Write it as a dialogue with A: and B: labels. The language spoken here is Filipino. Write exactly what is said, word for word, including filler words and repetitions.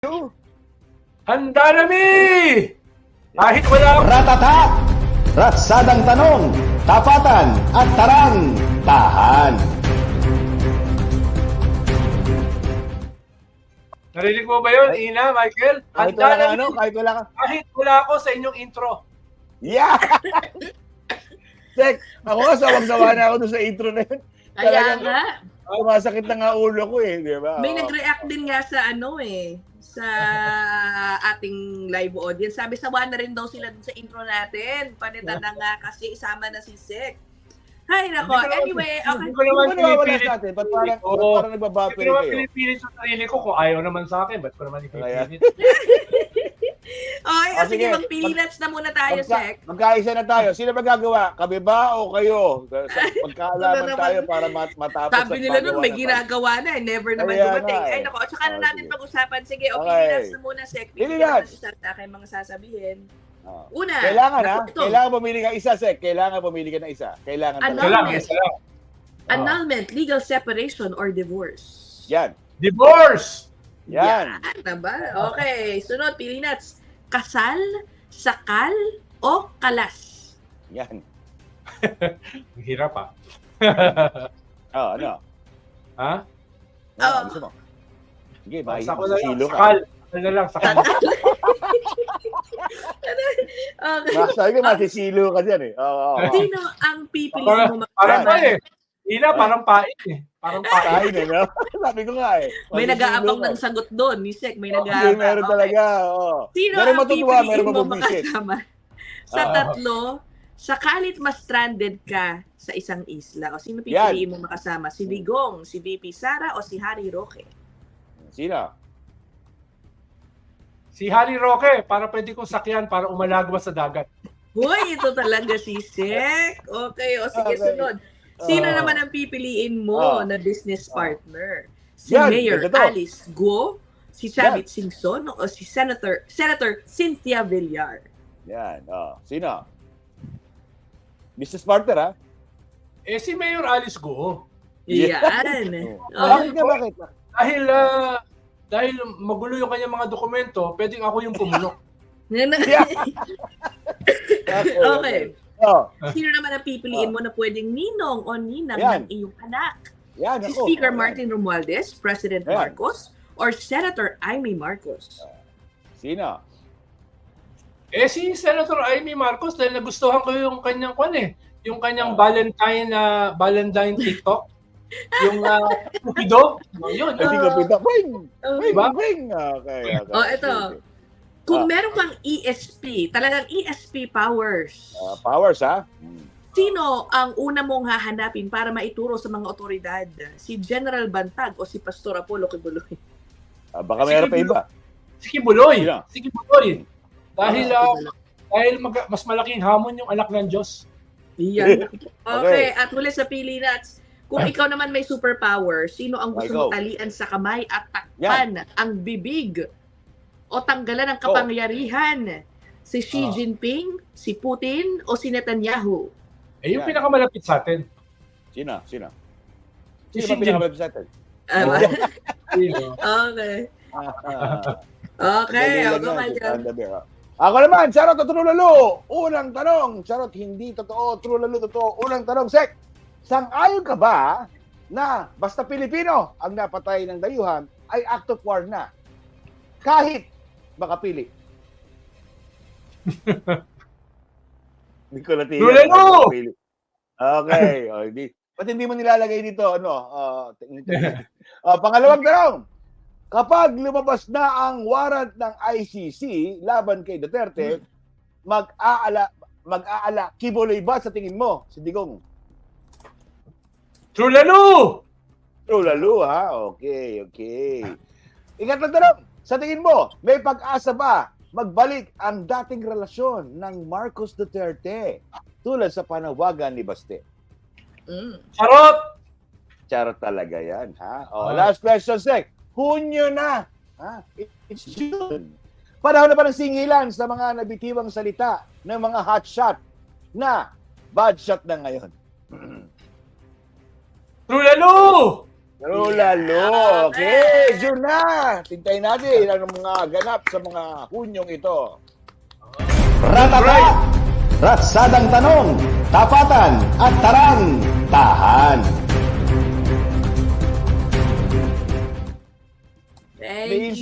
A: Handa na mi! Kahit wala
B: Ratata! Ratsadang tanong, tapatan at tarang, tahan.
A: Narinig mo ba yun, Ina, Michael?
B: Kahit
A: Handa
B: wala
A: na
B: ka,
A: mi!
B: ano, kahit wala ka.
A: Kahit wala ako sa inyong intro.
B: Yeah! Check, ako nga, sawang-sawa na ako doon sa intro na yun.
C: Kaya
B: Talagang,
C: nga,
B: Sumasakit na nga ulo ko eh, di ba?
C: may
B: Oo.
C: nag-react din nga sa ano eh, sa ating live audience. Sabi sawa na rin daw sila dun sa intro natin. Panitan na nga kasi isama na si Sek. Hay nako,
A: Hindi ko naman-
C: anyway, okay.
A: Hindi ko naman
B: Hindi ko nawawala
A: pinipilit.
B: sa atin. Ba't parang,
A: Oo.
B: ba't parang
A: Hindi
B: nagbabapere
A: ko naman
B: kayo?
A: pinipilit sa sarili ko kung ayaw naman sa akin. Ba't ko naman ipipilit?
C: Okay,
B: Ah,
C: o sige,
B: sige.
C: mag-peanuts na muna tayo,
B: Magka,
C: Sek.
B: magkaisa na tayo. Sino ba gagawa? Kami ba o kayo? Sa-
C: Ano
B: Pagkaalaman
C: naman?
B: tayo para mat matapos
C: Sabi
B: at
C: nila nun,
B: magawa
C: may
B: na tayo.
C: ginagawa na eh. Never naman
B: Kaya
C: dumating.
B: nga eh.
C: Ay nako, at saka na
B: Oh,
C: natin
B: sige.
C: pag-usapan. Sige, o
B: Okay.
C: peanuts na muna, Sek. Bibigyan
B: Peanuts.
C: naman isa sa akin mga sasabihin.
B: Ah.
C: Una,
B: Kailangan ha?
C: naku, ito.
B: Kailangan pumili ka isa, Sek. Kailangan pumili ka ng isa. Kailangan
C: Ano?
B: talaga.
A: Isa lang,
C: Annulment.
A: isa lang. Ah.
C: Annulment, legal separation, or divorce.
B: Yan.
A: Divorce!
B: Yan.
C: Yan, diba? Okay, sunod, peanuts. Kasal, sakal, o kalas?
B: Yan.
A: Ang hirap ah.
B: Oh, ano?
A: Ha?
B: Ano,
C: Oh.
B: gusto mo? Sige, bye.
A: Sakal na lang.
B: Silo ka.
A: Sakal. Sakal na lang. Sakal.
C: Okay.
B: Sabi ko, masisilo ka dyan eh. Oo, oo, oo.
C: Sino ang pipiliin
A: Parang,
C: mo
A: parang pa
C: makasama?
A: eh. Ina, parang pain eh. Parang pain.
B: Kain eh, no? Sabi ko nga eh.
C: May
B: masisilo
C: nag-aabang
B: ka.
C: ng sagot doon. Ni Sek, may
B: Hindi,
C: nag-aabang.
B: meron
C: Okay.
B: talaga. Oo.
C: Sino
B: Meron
C: ang
B: matutuwa,
C: pipiliin
B: meron
C: mo
B: mabubisit.
C: makasama? Sa
B: Ah.
C: tatlo, sakalit ma-stranded ka sa isang isla, o sino pipiliin mo makasama? Si Digong, si V P Sara, o si Harry Roque?
B: Sino?
A: Si Harry Roque, para pwede kong sakyan para umalagwas sa dagat.
C: Hoy, ito talaga si Sek. Okay, o sige,
B: Okay.
C: sunod. Sino
B: Ah.
C: naman ang pipiliin mo
B: Ah.
C: na business
B: Ah.
C: partner? Si
B: Yan,
C: Mayor
B: ito to.
C: Alice Guo, si Chavit Singson, o si Senator Senator Cynthia Villar?
B: Yan. Oh. Sino? Business partner, ha?
A: Eh si Mayor Alice Go.
B: Yeah.
C: Yan.
B: Oh.
C: Oh,
B: Bakit ka, bakit?
A: Dahil ah, dahil magulo yung kanyang mga dokumento, pwedeng ako yung pumuno.
B: Yeah. Okay.
C: Okay.
B: Oh.
C: Sino naman ang pipiliin mo na pwedeng ninong o ninang
B: Yan.
C: ng iyong anak?
B: Yan,
C: Si
B: ako.
C: Speaker
B: Oh, yan.
C: Martin Romualdez, President
B: Yan.
C: Marcos, or Senator Amy Marcos?
B: Sino?
A: Eh si Senator Amy Marcos dahil nagustuhan ko yung kanyang kwan eh. Yung kanyang
B: Ah.
A: Valentine na Valentine TikTok. Yung uh, Cupido. Yun.
B: Kasi ko pita. Wing!
C: Oh,
B: Wing!
A: Diba?
B: Wing! Okay, okay.
C: Oh, ito.
B: Okay.
C: Kung
B: Ah.
C: meron kang E S P, talagang E S P powers,
B: Ah, powers, ha? Hmm.
C: sino ang una mong hahanapin para maituro sa mga otoridad? Si General Bantag o si Pastor Apollo Kibuloy?
B: Ah, baka mayroon pa iba.
A: Si Kibuloy.
B: Sino?
A: Si Kibuloy. Dahil
B: Ah,
A: ah, dahil mag- mas malaking hamon yung anak ng Diyos.
C: Yan. Okay,
B: Okay.
C: at huli sa pili nuts, kung ikaw naman may superpower, sino ang gusto
B: Ikaw.
C: mong talian sa kamay at takpan ang bibig o tanggalan ng kapangyarihan? Si Xi
B: Ah.
C: Jinping, si Putin, o si Netanyahu?
A: Eh yung
B: Yan.
A: pinakamalapit sa atin.
B: Sino? Sino?
A: Si
B: Sino
A: Xi
B: ba pinakamalapit sa atin?
C: Ah,
B: Oh.
A: Sino?
C: okay.
B: Ah, ah.
C: Okay,
B: Dali lang
C: ako
B: yan,
C: ka
B: si
C: dyan.
B: Panda Bear, ah. Ako naman, charot o true lalo? Unang tanong, charot hindi totoo, true lalo totoo. Unang tanong, Sek, sang-ayon ka ba na basta Pilipino ang napatay ng dayuhan ay act of war na? Kahit makapili. Hindi ko natin.
A: True lalo!
B: Okay. O, hindi. Ba't hindi mo nilalagay dito? Ano? Uh, uh, pangalawang tanong. Kapag lumabas na ang warrant ng I C C laban kay Duterte, mag-aala, mag-aala, kibuloy ba sa tingin mo, si Digong?
A: True lalo!
B: True lalo, ha? Okay, okay. Ikatlong tanong, sa tingin mo, may pag-asa ba magbalik ang dating relasyon ng Marcos Duterte tulad sa panawagan ni Baste?
C: Mm.
A: Charot!
B: Charot talaga yan, ha? O,
A: Ah.
B: last question, Sek. Hunyo na. Ha? It's June. Panahon na pa ng singilan sa mga nabitiwang salita ng mga hotshot na bad shot na ngayon.
A: True lalo!
B: Lalo, lalo. Okay, June na. Tintayin natin ang mga ganap sa mga Hunyong ito.
D: Ratata! Ratsadang tanong, tapatan at tarang, tahan.
C: Thank
B: May
C: you.